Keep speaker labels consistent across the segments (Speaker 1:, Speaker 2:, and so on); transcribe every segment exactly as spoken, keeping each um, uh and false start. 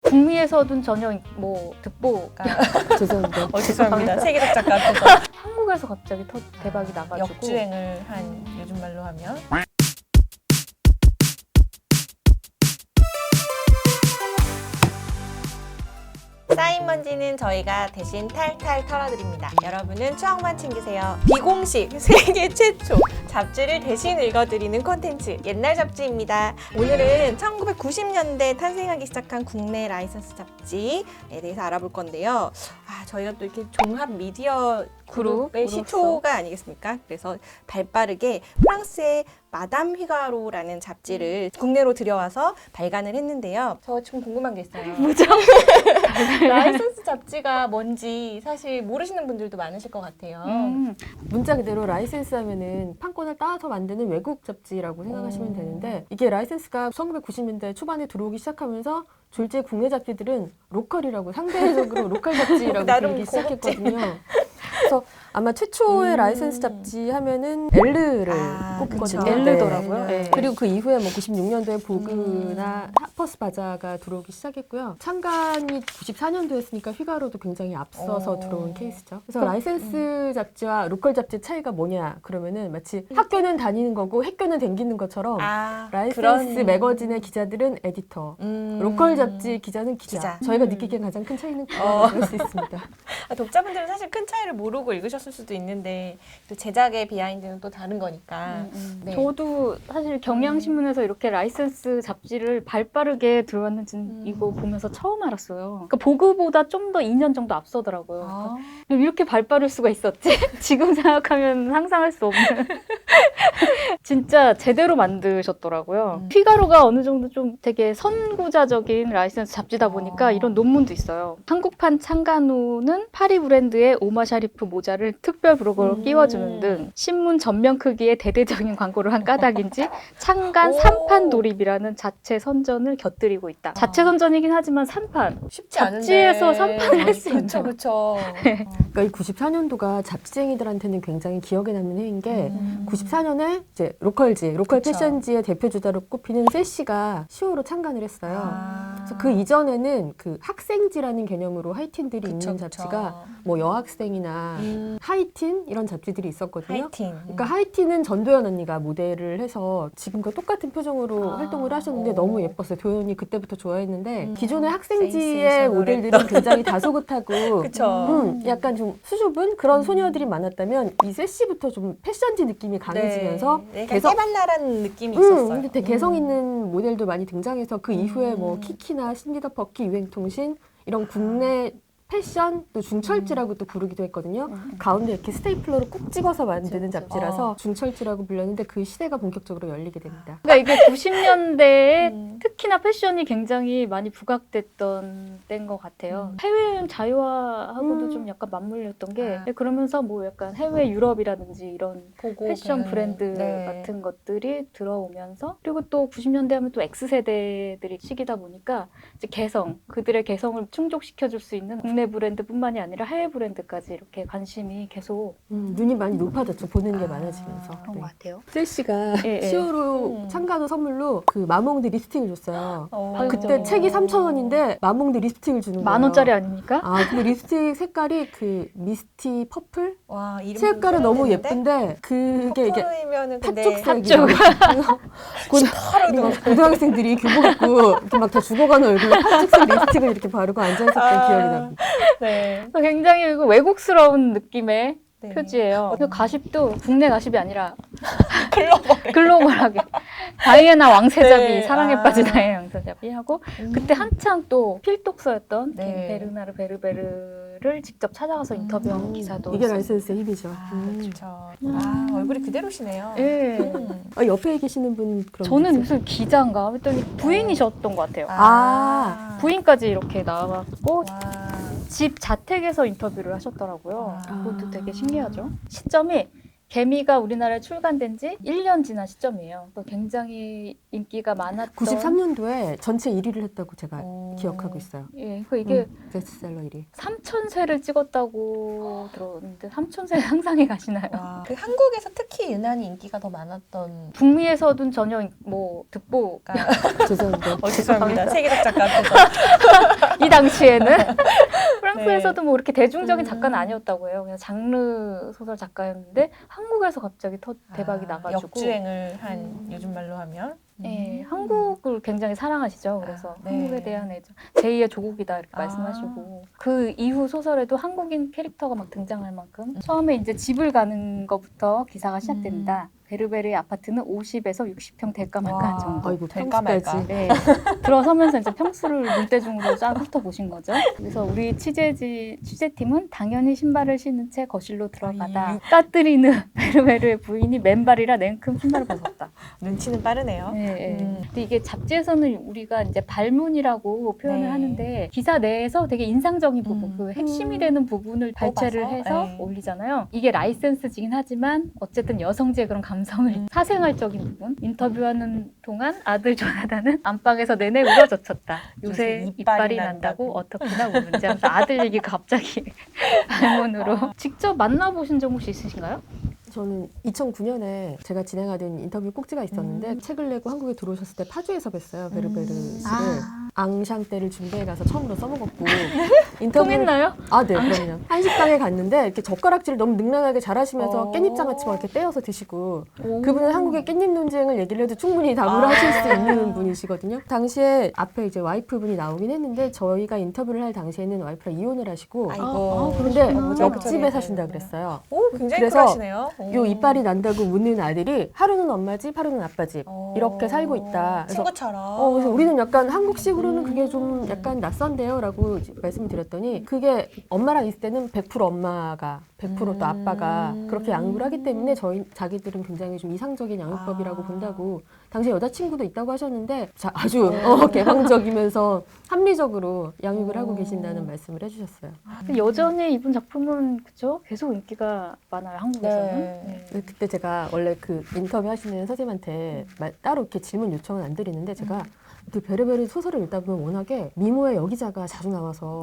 Speaker 1: 북미에서는 전혀 뭐 득보가
Speaker 2: 죄송합니다.
Speaker 3: 어, 죄송합니다. 세계적 작가 앞에서
Speaker 1: 한국에서 갑자기 터, 대박이 나가지고
Speaker 3: 역주행을 한 요즘 말로 하면 쌓인 먼지는 저희가 대신 탈탈 털어드립니다. 여러분은 추억만 챙기세요. 비공식 세계 최초 잡지를 대신 읽어드리는 콘텐츠 옛날 잡지입니다. 오늘은 천구백구십 년대 탄생하기 시작한 국내 라이선스 잡지에 대해서 알아볼 건데요. 아, 저희가 또 이렇게 종합 미디어 그룹의
Speaker 1: 그룹으로서.
Speaker 3: 시초가 아니겠습니까? 그래서 발빠르게 프랑스의 마담 휘가로라는 잡지를 국내로 들여와서 발간을 했는데요. 저 지금 궁금한 게 있어요.
Speaker 1: 뭐죠?
Speaker 3: 라이선스 잡지가 뭔지 사실 모르시는 분들도 많으실 것 같아요.
Speaker 1: 음,
Speaker 2: 문자 그대로 라이센스 하면은 판권을 따서 만드는 외국 잡지라고 생각하시면
Speaker 3: 음.
Speaker 2: 되는데 이게 라이센스가 천구백구십 년대 초반에 들어오기 시작하면서 졸지의 국내 잡지들은 로컬이라고 상대적으로 로컬 잡지라고
Speaker 3: 나름
Speaker 2: 부르기
Speaker 3: 고급진.
Speaker 2: 시작했거든요. 그래서 아마 최초의
Speaker 3: 음.
Speaker 2: 라이센스 잡지 하면은 엘르를
Speaker 3: 아,
Speaker 2: 꼽거든요.
Speaker 3: 그쵸.
Speaker 1: 엘르더라고요.
Speaker 2: 네.
Speaker 1: 네.
Speaker 2: 그리고 그 이후에 뭐 구십육 년도에 보그나
Speaker 3: 음.
Speaker 2: 하퍼스 바자가 들어오기 시작했고요. 창간이 구십사 년도였으니까 휘가로도 굉장히 앞서서
Speaker 3: 어.
Speaker 2: 들어온 케이스죠. 그래서
Speaker 3: 그,
Speaker 2: 라이센스 잡지와 로컬 잡지 차이가 뭐냐 그러면은 마치 학교는 다니는 거고 학교는 댕기는 것처럼
Speaker 3: 아,
Speaker 2: 라이센스
Speaker 3: 그런-
Speaker 2: 매거진의 기자들은 에디터,
Speaker 3: 음.
Speaker 2: 로컬 잡지 기자는 기자.
Speaker 3: 기자.
Speaker 2: 저희가
Speaker 3: 음.
Speaker 2: 느끼기엔 가장 큰 차이는
Speaker 3: 어.
Speaker 2: 그럴 수 있습니다.
Speaker 3: 아, 독자분들은 사실 큰 차이를 모르고 읽으셨을 수도 있는데 또 제작의 비하인드는 또 다른 거니까. 네.
Speaker 1: 저도 사실 경향신문에서 이렇게 라이센스 잡지를 발빠르게 들어왔는지
Speaker 3: 음.
Speaker 1: 이거 보면서 처음 알았어요. 그러니까 보그보다 좀 더 이 년 정도 앞서더라고요.
Speaker 3: 아.
Speaker 1: 이렇게 발빠를 수가 있었지? 지금 생각하면 상상할 수 없는. 진짜 제대로 만드셨더라고요.
Speaker 3: 음.
Speaker 1: 피가로가 어느 정도 좀 되게 선구자적인 라이센스 잡지다 보니까
Speaker 3: 아.
Speaker 1: 이런 논문도 있어요. 한국판 창간호는 파리 브랜드의 오마 샤리프 모자를 특별 브로거로
Speaker 3: 음.
Speaker 1: 끼워주는 등 신문 전면 크기의 대대적인 광고를 한 까닭인지 창간
Speaker 3: 오.
Speaker 1: 삼 판 도립이라는 자체 선전을 곁들이고 있다. 자체 선전이긴 하지만 삼 판.
Speaker 3: 쉽지 않은데.
Speaker 1: 잡지에서 삼 판을 할수
Speaker 3: 그쵸,
Speaker 1: 있죠.
Speaker 3: 그쵸.
Speaker 2: 그러니까 이 구십사 년도가 잡지쟁이들한테는 굉장히 기억에 남는 해인 게
Speaker 3: 음.
Speaker 2: 구십사 년에 이제 로컬지, 로컬
Speaker 3: 그쵸.
Speaker 2: 패션지의 대표 주자로 꼽히는 세시가 시호로 창간을 했어요.
Speaker 3: 아.
Speaker 2: 그래서 그 이전에는 그 학생지라는 개념으로 하이틴들이
Speaker 3: 그쵸,
Speaker 2: 있는
Speaker 3: 그쵸.
Speaker 2: 잡지가 뭐 여학생이나
Speaker 3: 음.
Speaker 2: 하이틴 이런 잡지들이 있었거든요.
Speaker 3: 하이틴.
Speaker 2: 그러니까 하이틴은 전도연 언니가 모델을 해서 지금과 똑같은 표정으로
Speaker 3: 아,
Speaker 2: 활동을 하셨는데
Speaker 3: 오.
Speaker 2: 너무 예뻤어요. 도연이 그때부터 좋아했는데
Speaker 3: 음.
Speaker 2: 기존의 학생지의
Speaker 3: 센세이셔널했던.
Speaker 2: 모델들은 굉장히 다소곳하고
Speaker 3: 그쵸.
Speaker 2: 음, 약간 좀 수줍은 그런 소녀들이 많았다면 이 세시부터 좀 패션지 느낌이 강해지면서
Speaker 3: 네.
Speaker 2: 개성-
Speaker 3: 깨발랄한 느낌이
Speaker 2: 음,
Speaker 3: 있었어요.
Speaker 2: 근데 되게 개성
Speaker 3: 음.
Speaker 2: 있는 모델도 많이 등장해서 그 이후에 뭐
Speaker 3: 음.
Speaker 2: 키키나 신디더 퍼키, 유행통신 이런 국내 패션 또 중철지라고 또 부르기도 했거든요.
Speaker 1: 음.
Speaker 2: 가운데 이렇게 스테이플러로 꾹 찍어서 만드는
Speaker 1: 그쵸, 그쵸.
Speaker 2: 잡지라서
Speaker 3: 어.
Speaker 2: 중철지라고 불렸는데 그 시대가 본격적으로 열리게 됩니다.
Speaker 1: 그러니까 이게 구십 년대에
Speaker 3: 음.
Speaker 1: 특히나 패션이 굉장히 많이 부각됐던 때인 것 같아요.
Speaker 3: 음.
Speaker 1: 해외여행 자유화하고도
Speaker 2: 음.
Speaker 1: 좀 약간 맞물렸던 게
Speaker 3: 아.
Speaker 1: 그러면서 뭐 약간 해외 유럽이라든지 이런
Speaker 3: 보고
Speaker 1: 패션
Speaker 3: 배우는.
Speaker 1: 브랜드
Speaker 3: 네.
Speaker 1: 같은 것들이 들어오면서 그리고 또 구십 년대 하면 또 X세대들이 시기다 보니까 이제 개성, 그들의 개성을 충족시켜줄 수 있는 국내 브랜드뿐만이 아니라 해외 브랜드까지 이렇게 관심이 계속
Speaker 2: 음, 눈이 많이 높아졌죠. 보는 게
Speaker 3: 아,
Speaker 2: 많아지면서.
Speaker 1: 그런
Speaker 2: 네.
Speaker 1: 것 같아요.
Speaker 2: 셀시가
Speaker 1: 예, 예.
Speaker 2: 시오로
Speaker 3: 음.
Speaker 2: 참가도 선물로 그 마몽드 립스틱을 줬어요.
Speaker 3: 어.
Speaker 2: 그때
Speaker 1: 그죠.
Speaker 2: 책이 삼천 원인데 마몽드 립스틱을 주는 거예요.
Speaker 1: 만 원짜리 아닙니까?
Speaker 2: 아, 근데 립스틱 색깔이 그 미스티 퍼플?
Speaker 3: 와, 이름
Speaker 2: 색깔은 너무
Speaker 3: 표현했는데?
Speaker 2: 예쁜데 그게 이게
Speaker 3: 퍼플이면은 근데
Speaker 2: 팥죽색이고 고, 고등학생들이 교복 입고 이렇게 막 다 죽어가는 얼굴로 팥죽색 립스틱을 이렇게 바르고 앉아있었던
Speaker 3: 아.
Speaker 2: 기억이 납니다.
Speaker 3: 네.
Speaker 1: 그래서 굉장히 이거 외국스러운 느낌의
Speaker 3: 네.
Speaker 1: 표지예요. 그 가십도 국내 가십이 아니라
Speaker 3: 글로벌.
Speaker 1: 글로벌하게 다이애나 왕세자비
Speaker 3: 네.
Speaker 1: 사랑에
Speaker 3: 아.
Speaker 1: 빠진 다이애나 왕세자비 하고
Speaker 3: 음.
Speaker 1: 그때 한창 또 필독서였던
Speaker 3: 네.
Speaker 1: 김 베르나르 베르베르를 직접 찾아가서 인터뷰한
Speaker 2: 음,
Speaker 1: 기사도
Speaker 2: 이게
Speaker 1: 있었어요.
Speaker 2: 라이센스의 힘이죠.
Speaker 3: 아,
Speaker 2: 음.
Speaker 3: 그렇죠. 아, 얼굴이 그대로시네요.
Speaker 1: 예.
Speaker 3: 음.
Speaker 2: 아, 옆에 계시는 분 그럼
Speaker 1: 저는
Speaker 2: 누구세요?
Speaker 1: 무슨 기자인가 했더니 부인이셨던 것 같아요.
Speaker 2: 아.
Speaker 1: 부인까지 이렇게 나왔고
Speaker 3: 와.
Speaker 1: 집 자택에서 인터뷰를 하셨더라고요.
Speaker 3: 아.
Speaker 1: 그것도 되게 신기하죠. 시점이 개미가 우리나라에 출간된 지 일 년 지난 시점이에요. 또 굉장히 인기가 많았던
Speaker 2: 구십삼 년도에 전체 일 위를 했다고 제가
Speaker 3: 오.
Speaker 2: 기억하고 있어요.
Speaker 1: 예, 그 이게
Speaker 2: 음, 베스트셀러 일 위.
Speaker 1: 삼천 세를 찍었다고 들었는데 삼천 세 상상이 가시나요?
Speaker 3: 와. 그 한국에서 특히 유난히 인기가 더 많았던
Speaker 1: 북미에서는 전혀 뭐 득보가
Speaker 2: 죄송합니다.
Speaker 3: 어, 죄송합니다. 세계적 작가 앞에서
Speaker 1: 당시에는 프랑스에서도 뭐 이렇게 대중적인
Speaker 3: 음.
Speaker 1: 작가는 아니었다고 해요. 그냥 장르 소설 작가였는데 한국에서 갑자기 터, 대박이
Speaker 3: 아,
Speaker 1: 나가지고
Speaker 3: 역주행을 한
Speaker 1: 음.
Speaker 3: 요즘 말로 하면
Speaker 1: 네,
Speaker 3: 음.
Speaker 1: 한국을 굉장히 사랑하시죠. 그래서
Speaker 3: 아, 네.
Speaker 1: 한국에 대한 애정, 제이의 조국이다 이렇게
Speaker 3: 아.
Speaker 1: 말씀하시고 그 이후 소설에도 한국인 캐릭터가 막 등장할 만큼 처음에 이제 집을 가는 것부터 기사가 시작됩니다. 베르베르의 아파트는 오십에서 육십 평 될까 말까 한
Speaker 3: 와.
Speaker 1: 정도.
Speaker 2: 아이고
Speaker 3: 될까
Speaker 2: 평수까지.
Speaker 3: 말까.
Speaker 1: 네, 들어서면서 이제 평수를 눈대중으로 쫙 훑어보신 거죠. 그래서 우리 취재지, 취재팀은 당연히 신발을 신은 채 거실로 들어가다
Speaker 3: 이-
Speaker 1: 까뜨리는 베르베르의 부인이 맨발이라 냉큼 신발을 벗었다.
Speaker 3: 눈치는 빠르네요.
Speaker 1: 네, 네.
Speaker 3: 음.
Speaker 1: 근데 이게 잡지에서는 우리가 이제 발문이라고 표현을
Speaker 3: 네.
Speaker 1: 하는데 기사 내에서 되게 인상적인 부분,
Speaker 3: 음.
Speaker 1: 그 핵심이 되는 부분을 발췌를
Speaker 3: 뽑아서?
Speaker 1: 해서
Speaker 3: 네.
Speaker 1: 올리잖아요. 이게 라이센스지긴 하지만 어쨌든 여성지의 그런 감성을
Speaker 3: 음.
Speaker 1: 사생활적인 부분. 인터뷰하는 동안 아들 조나단은 안방에서 내내 울어젖혔다. 요새
Speaker 3: 요새
Speaker 1: 이빨이
Speaker 3: 이빨이
Speaker 1: 난다고
Speaker 3: 난다고.
Speaker 1: 어떻게나 우는지 하면서 아들 얘기가 갑자기 발문으로. 직접 만나보신 적 혹시 있으신가요?
Speaker 2: 저는 이천구 년에 제가 진행하던 인터뷰 꼭지가 있었는데
Speaker 3: 음.
Speaker 2: 책을 내고 한국에 들어오셨을 때 파주에서 뵀어요. 베르베르
Speaker 3: 음.
Speaker 2: 씨를.
Speaker 1: 아,
Speaker 2: 앙샹 때를 준비해 가서 처음으로 써먹었고 인터뷰를
Speaker 1: 통했나요?
Speaker 2: 아, 네, 그럼요. 한식당에 갔는데 이렇게 젓가락질을 너무 능란하게 잘하시면서
Speaker 3: 어.
Speaker 2: 깻잎장아찌 막 이렇게 떼어서 드시고
Speaker 1: 오.
Speaker 2: 그분은 한국의 깻잎 논쟁을 얘기를 해도 충분히 답을
Speaker 3: 아.
Speaker 2: 하실 수 있는 분이시거든요. 당시에 앞에 이제 와이프분이 나오긴 했는데 저희가 인터뷰를 할 당시에는 와이프랑 이혼을 하시고
Speaker 3: 아이고.
Speaker 1: 아,
Speaker 2: 근데
Speaker 1: 그러시구나.
Speaker 2: 옆집에 사신다 그랬어요.
Speaker 3: 오, 굉장히
Speaker 2: 그래서
Speaker 3: 쿨하시네요. 오.
Speaker 2: 요 이빨이 난다고 묻는 아들이 하루는 엄마 집, 하루는 아빠 집
Speaker 3: 어.
Speaker 2: 이렇게 살고 있다. 그래서
Speaker 3: 친구처럼.
Speaker 2: 어, 그래서 우리는 약간 한국식으로는 그게 좀 약간 낯선데요? 라고 이제 말씀을 드렸더니 그게 엄마랑 있을 때는 백 퍼센트 엄마가 백 퍼센트 또 아빠가
Speaker 3: 음.
Speaker 2: 그렇게 양육을 하기 때문에 저희 자기들은 굉장히 좀 이상적인 양육법이라고
Speaker 3: 아.
Speaker 2: 본다고 당시 여자친구도 있다고 하셨는데 자, 아주 어, 개방적이면서 합리적으로 양육을 하고
Speaker 3: 오.
Speaker 2: 계신다는 말씀을 해주셨어요.
Speaker 1: 근데 여전히 이분 작품은 그죠? 계속 인기가 많아요 한국에서는.
Speaker 3: 네.
Speaker 1: 네.
Speaker 2: 근데 그때 제가 원래 그 인터뷰 하시는 선생님한테 말- 따로 이렇게 질문 요청은 안 드리는데 제가 그 베르베르 소설을 읽다 보면 워낙에 미모의 여기자가 자주 나와서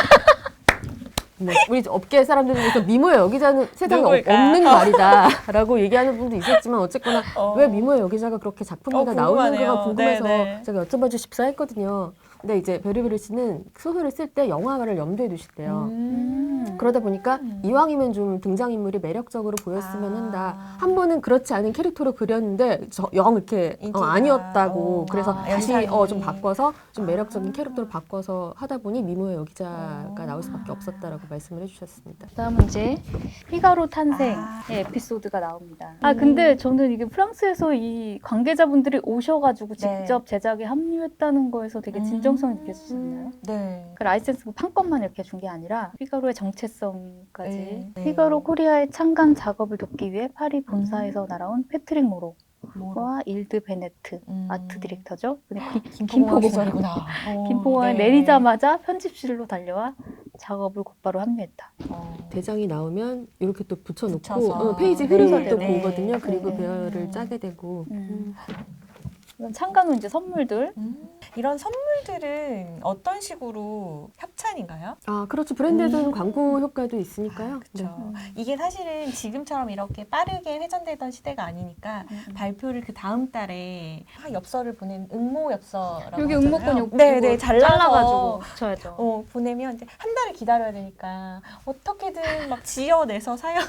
Speaker 2: 뭐 우리 업계 사람들 중에서 미모의 여기자는 세상에 없-
Speaker 3: 누굴까?
Speaker 2: 없는 말이다라고 얘기하는 분도 있었지만 어쨌거나
Speaker 3: 어.
Speaker 2: 왜 미모의 여기자가 그렇게 작품마다
Speaker 3: 어,
Speaker 2: 나오는가가
Speaker 3: 궁금하네요.
Speaker 2: 궁금해서
Speaker 3: 네, 네.
Speaker 2: 제가 여쭤봐 주십사 했거든요. 근데 이제 베르베르 씨는 소설을 쓸 때 영화를 염두에 두시대요.
Speaker 3: 음.
Speaker 2: 그러다 보니까 이왕이면 좀 등장인물이 매력적으로 보였으면
Speaker 3: 아.
Speaker 2: 한다. 한 번은 그렇지 않은 캐릭터로 그렸는데 저, 영 이렇게 어,
Speaker 3: 인기가.
Speaker 2: 아니었다고.
Speaker 3: 어.
Speaker 2: 그래서
Speaker 3: 아,
Speaker 2: 다시
Speaker 3: 연상이.
Speaker 2: 어, 좀 바꿔서 좀 매력적인
Speaker 3: 아.
Speaker 2: 캐릭터로 바꿔서 하다 보니 미모의 여기자가
Speaker 3: 어.
Speaker 2: 나올 수밖에 없었다라고 말씀을 해주셨습니다.
Speaker 1: 다음은 이제 피가로 탄생의
Speaker 3: 아.
Speaker 1: 에피소드가 나옵니다. 아 근데 저는 이게 프랑스에서 이 관계자분들이 오셔가지고
Speaker 3: 네.
Speaker 1: 직접 제작에 합류했다는 거에서 되게 진정성이 느껴지지 않나요?
Speaker 3: 네.
Speaker 1: 그 라이센스 한 건만 이렇게 준 게 아니라 피가로의 정체성까지.
Speaker 3: 네. 네.
Speaker 1: 피가로 코리아의 창간 작업을 돕기 위해 파리 본사에서 날아온 패트릭 모로와
Speaker 3: 뭐.
Speaker 1: 일드 베네트
Speaker 3: 음.
Speaker 1: 아트 디렉터죠. 근데 기-
Speaker 3: 김포공항
Speaker 1: 김포공항.
Speaker 3: 시절이구나. 어,
Speaker 1: 김포공항에
Speaker 3: 네.
Speaker 1: 내리자마자 편집실로 달려와 작업을 곧바로 합류했다.
Speaker 3: 어.
Speaker 2: 대장이 나오면 이렇게 또 붙여놓고
Speaker 3: 붙여서.
Speaker 2: 어, 페이지
Speaker 1: 네,
Speaker 2: 흐름을 또
Speaker 3: 네.
Speaker 2: 보거든요. 그리고
Speaker 1: 네.
Speaker 2: 배열을 짜게 되고.
Speaker 1: 음. 이건 창간 후 이제 선물들.
Speaker 3: 음. 이런 선물들은 어떤 식으로 협찬인가요?
Speaker 2: 아 그렇죠. 브랜드든
Speaker 3: 음.
Speaker 2: 광고 효과도 있으니까요.
Speaker 3: 그렇죠.
Speaker 1: 음.
Speaker 3: 이게 사실은 지금처럼 이렇게 빠르게 회전되던 시대가 아니니까
Speaker 1: 음.
Speaker 3: 발표를 그 다음 달에 아, 엽서를 보낸 응모 엽서라고
Speaker 1: 여기
Speaker 3: 하잖아요.
Speaker 1: 응모권 여기
Speaker 3: 네,
Speaker 1: 이거
Speaker 3: 네, 잘라서
Speaker 1: 잘라가지고 붙여야죠.
Speaker 3: 어, 보내면 이제 한 달을 기다려야 되니까 어떻게든 막 지어내서 사연을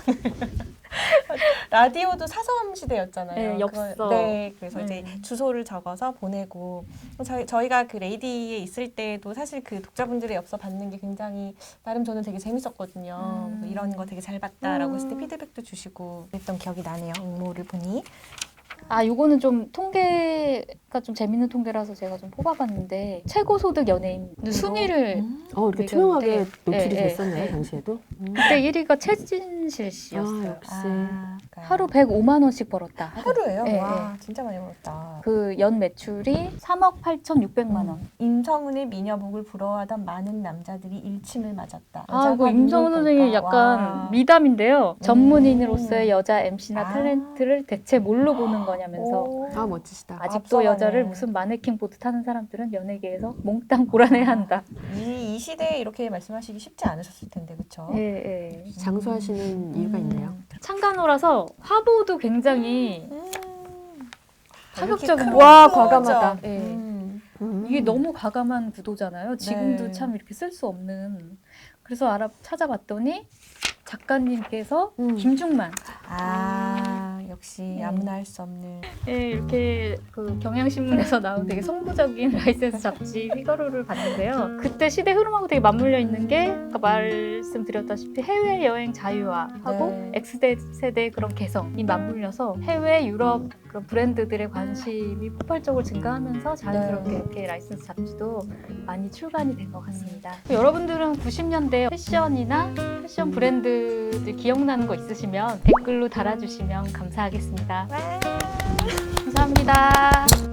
Speaker 3: 라디오도 사서음 시대였잖아요.
Speaker 1: 네, 엽서.
Speaker 3: 그걸- 네, 그래서
Speaker 1: 음.
Speaker 3: 이제 주소를 적어서 보내고 저희 저희가 그 레이디에 있을 때도 사실 그 독자분들의 엽서 받는 게 굉장히 나름 저는 되게 재밌었거든요.
Speaker 1: 음.
Speaker 3: 이런 거 되게 잘 봤다라고
Speaker 2: 음.
Speaker 3: 했을 때 피드백도 주시고 그랬던 기억이 나네요. 응모를 보니.
Speaker 1: 아, 요거는 좀 통계가 좀 재밌는 통계라서 제가 좀 뽑아봤는데 최고 소득 연예인 순위를
Speaker 3: 음.
Speaker 2: 어 이렇게
Speaker 1: 매겼는데,
Speaker 2: 투명하게 노출이
Speaker 1: 네,
Speaker 2: 됐었네요.
Speaker 1: 네.
Speaker 2: 당시에도. 음.
Speaker 1: 그때 일 위가 최진실 씨였어요.
Speaker 2: 아, 역시.
Speaker 3: 아,
Speaker 1: 하루 백오만 원씩 벌었다.
Speaker 3: 하루예요?
Speaker 1: 네,
Speaker 3: 와, 진짜 많이 벌었다.
Speaker 1: 그 연 매출이 삼억 팔천육백만 원.
Speaker 3: 임성은의 미녀복을 부러워하던 많은 남자들이 일침을 맞았다.
Speaker 1: 아,
Speaker 3: 여자가
Speaker 1: 이거 임성은
Speaker 3: 누굴까?
Speaker 1: 선생님 약간
Speaker 3: 와.
Speaker 1: 미담인데요.
Speaker 3: 음.
Speaker 1: 전문인으로서의 여자 엠씨나
Speaker 3: 아.
Speaker 1: 탤런트를 대체 뭘로 보는 거냐면서
Speaker 3: 오.
Speaker 2: 아 멋지시다.
Speaker 1: 아직도
Speaker 3: 앞서가네.
Speaker 1: 여자를 무슨 마네킹 보드 타는 사람들은 연예계에서 몽땅 고란해야 한다.
Speaker 3: 이, 이 시대에 이렇게 말씀하시기 쉽지 않으셨을 텐데, 그렇죠?
Speaker 1: 예, 예.
Speaker 2: 장수하시는 이유가 있네요.
Speaker 1: 창간호라서 화보도 굉장히
Speaker 3: 음.
Speaker 1: 파격적인
Speaker 3: 이렇게
Speaker 1: 거.
Speaker 3: 큰
Speaker 2: 와,
Speaker 3: 클로즈업.
Speaker 2: 과감하다.
Speaker 1: 예.
Speaker 3: 음.
Speaker 2: 음.
Speaker 1: 이게 너무 과감한 구도잖아요. 지금도
Speaker 3: 네.
Speaker 1: 참 이렇게 쓸 수 없는. 그래서 알아 찾아봤더니 작가님께서
Speaker 2: 음.
Speaker 1: 김중만
Speaker 3: 아, 역시
Speaker 1: 네.
Speaker 3: 아무나 할 수 없는.
Speaker 1: 예, 이렇게 그 경향신문에서 나온 되게 성부적인 라이센스 잡지 휘가로를 봤는데요. 그때 시대 흐름하고 되게 맞물려 있는 게 아까 말씀드렸다시피 해외 여행 자유화하고
Speaker 3: 네.
Speaker 1: X세대의 그런 개성이 맞물려서 해외 유럽 그런 브랜드들의 관심이 폭발적으로 증가하면서 자연스럽게
Speaker 3: 네.
Speaker 1: 이렇게 라이센스 잡지도 많이 출간이 된 것 같습니다. 여러분들은 구십 년대 패션이나 패션 브랜드들 기억나는 거 있으시면 댓글로 달아주시면 감사하겠습니다.
Speaker 3: 와.
Speaker 1: 감사합니다.